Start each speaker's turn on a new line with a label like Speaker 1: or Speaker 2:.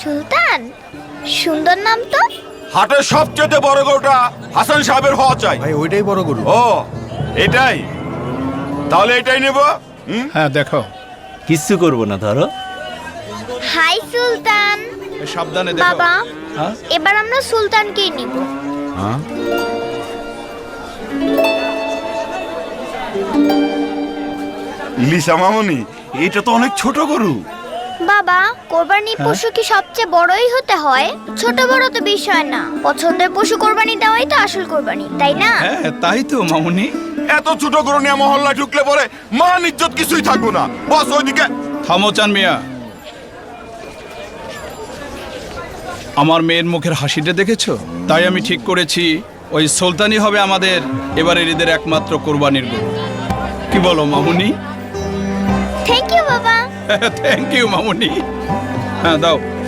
Speaker 1: সুলতান, সুন্দর নাম তো।
Speaker 2: হাটের সবচেয়ে বড় গরুটা হাসান সাহেবের হওয়া চাই।
Speaker 3: ভাই ওইটাই বড় গরু।
Speaker 2: ও এটাই, তাহলে এটাই নেব।
Speaker 3: হ্যাঁ দেখো।
Speaker 4: কিচ্ছু করবো না, ধরো।
Speaker 1: হাই সুলতান।
Speaker 3: সাবধানে দেখো।
Speaker 1: বাবা,
Speaker 4: হ্যাঁ?
Speaker 1: এবার আমরা সুলতানকেই নিব।
Speaker 4: হ্যাঁ?
Speaker 2: লিসা মামনি, এটা তো অনেক ছোট গরু।
Speaker 1: বাবা, কোরবানির পশু কি সবচেয়ে বড়ই হতে হয়? ছোট বড় তো বিষয় না, পছন্দের পশু কোরবানি দেওয়াই তো আসল কোরবানি, তাই না?
Speaker 3: হ্যাঁ তাই তো মামুনি।
Speaker 2: এত ছোট গরু নিয়ে মহল্লায় ঢুকলে পরে মান ইজ্জত কিছুই থাকবো না। বস ওইদিকে।
Speaker 3: থামো চান মিয়া। আমার মেয়ের মুখের হাসিটা দেখেছো? তাই আমি ঠিক করেছি ওই সুলতানই হবে আমাদের এবারের ঈদের একমাত্র কোরবানির গরু। কি বলো মামুনি?
Speaker 1: থ্যাংক ইউ বাবা।
Speaker 3: থ্যাংক ইউ মামুনি। হ্যাঁ দাও।